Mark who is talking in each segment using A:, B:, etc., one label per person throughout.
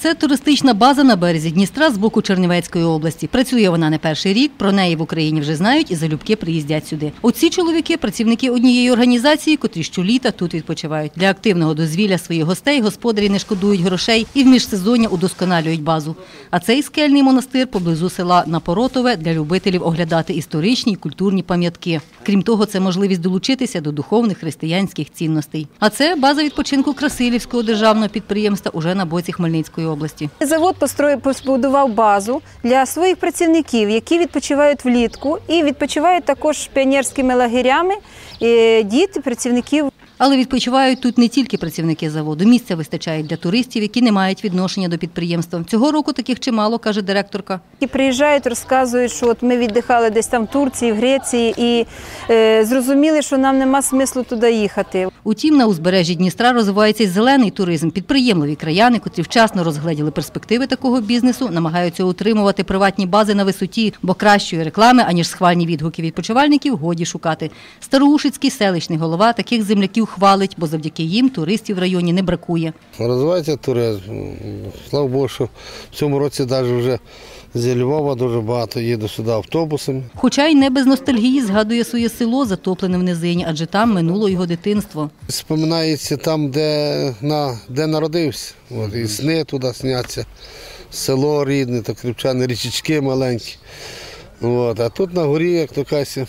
A: Це туристична база на березі Дністра з боку Чернівецької області. Працює вона не перший рік, про неї в Україні вже знають і залюбки приїздять сюди. Оці чоловіки – працівники однієї організації, котрі щоліта тут відпочивають. Для активного дозвілля своїх гостей господарі не шкодують грошей і в міжсезоння удосконалюють базу. А цей скельний монастир поблизу села Напоротове для любителів оглядати історичні і культурні пам'ятки. Крім того, це можливість долучитися до духовних християнських цінностей. А це база відпочинку Красилівського державного підприємства уже на боці Хмельницької області.
B: Завод побудував базу для своїх працівників, які відпочивають влітку і відпочивають також піонерськими лагерями діти працівників.
A: Але відпочивають тут не тільки працівники заводу. Місця вистачає для туристів, які не мають відношення до підприємства. Цього року таких чимало, каже директорка.
B: І приїжджають, розказують, що от ми віддихали десь там в Турції, в Греції і зрозуміли, що нам нема смислу туди їхати.
A: Утім, на узбережжі Дністра розвивається й зелений туризм. Підприємливі краяни, котрі вчасно розгледіли перспективи такого бізнесу, намагаються утримувати приватні бази на висоті, бо кращої реклами, аніж схвальні відгуки відпочивальників, годі шукати. Староушицький селищний голова таких земляків хвалить, бо завдяки їм туристів в районі не бракує.
C: Розвивається туризм. Слава Богу, що в цьому році навіть вже зі Львова дуже багато їде сюди автобусами.
A: Хоча й не без ностальгії згадує своє село, затоплене в низині, адже там минуло його дитинство.
C: Споминається там, де народився. І сни туди сняться, село рідне, так кріпчани, річечки маленькі. А тут на горі, як то кажуть,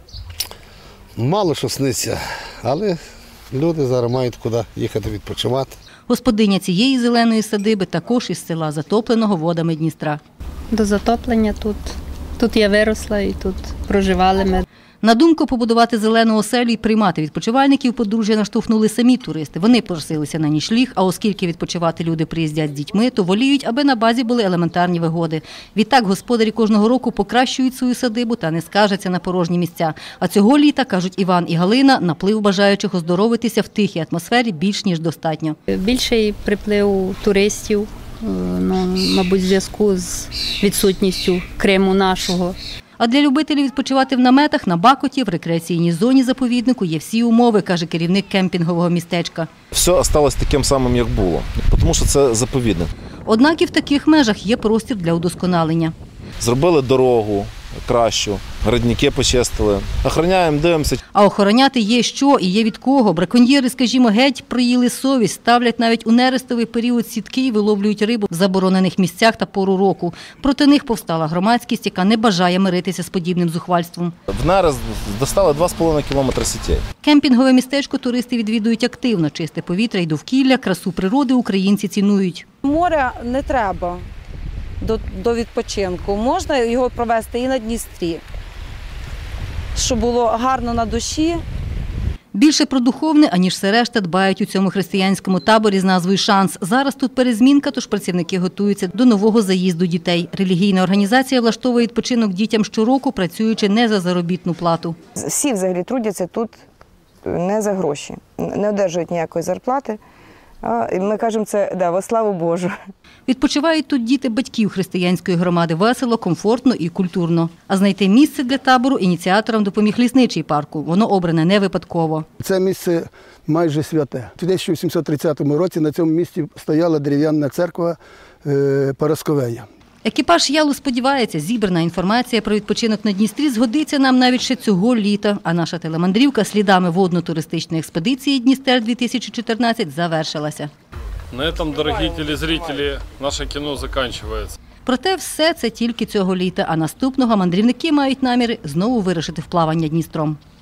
C: мало що сниться, але люди зараз мають куди їхати відпочивати.
A: Господиня цієї зеленої садиби також із села, затопленого водами Дністра.
D: До затоплення тут я виросла і тут проживали ми.
A: На думку побудувати зелену оселю і приймати відпочивальників подружжя наштовхнули самі туристи. Вони просилися на нічліг, а оскільки відпочивати люди приїздять з дітьми, то воліють, аби на базі були елементарні вигоди. Відтак господарі кожного року покращують свою садибу та не скаржаться на порожні місця. А цього літа, кажуть Іван і Галина, наплив бажаючих оздоровитися в тихій атмосфері більш ніж достатньо.
D: Більший приплив туристів, мабуть, в зв'язку з відсутністю Криму нашого.
A: А для любителів відпочивати в наметах, на Бакоті, в рекреаційній зоні заповіднику є всі умови, каже керівник кемпінгового містечка.
E: Все залишилось таким самим, як було, тому що це заповідник.
A: Однак і в таких межах є простір для удосконалення.
E: Зробили дорогу кращу, градники почистили, охороняємо, дивимося.
A: А охороняти є що і є від кого. Браконьєри, скажімо, геть проїли совість, ставлять навіть у нерестовий період сітки і виловлюють рибу в заборонених місцях та пору року. Проти них повстала громадськість, яка не бажає миритися з подібним зухвальством.
E: В нерест достали 2,5 кілометри сітей.
A: Кемпінгове містечко туристи відвідують активно. Чисте повітря і довкілля, красу природи українці цінують.
F: Море не треба до відпочинку. Можна його провести і на Дністрі, щоб було гарно на душі.
A: Більше про духовне, аніж все решта, дбають у цьому християнському таборі з назвою «Шанс». Зараз тут перезмінка, тож працівники готуються до нового заїзду дітей. Релігійна організація влаштовує відпочинок дітям щороку, працюючи не за заробітну плату.
B: Всі взагалі трудяться тут не за гроші, не одержують ніякої зарплати. Ми кажемо, це во славу Божу.
A: Відпочивають тут діти батьків християнської громади весело, комфортно і культурно. А знайти місце для табору ініціаторам допоміг лісничий парку. Воно обране не випадково.
G: Це місце майже святе. У 1730 році на цьому місці стояла дерев'яна церква Парасковея.
A: Екіпаж Ялу сподівається, зібрана інформація про відпочинок на Дністрі згодиться нам навіть ще цього літа. А наша телемандрівка слідами водно-туристичної експедиції «Дністер-2014» завершилася.
H: На цьому, дорогі телезрителі, наше кіно закінчується.
A: Проте все це тільки цього літа, а наступного мандрівники мають наміри знову вирушити в плавання Дністром.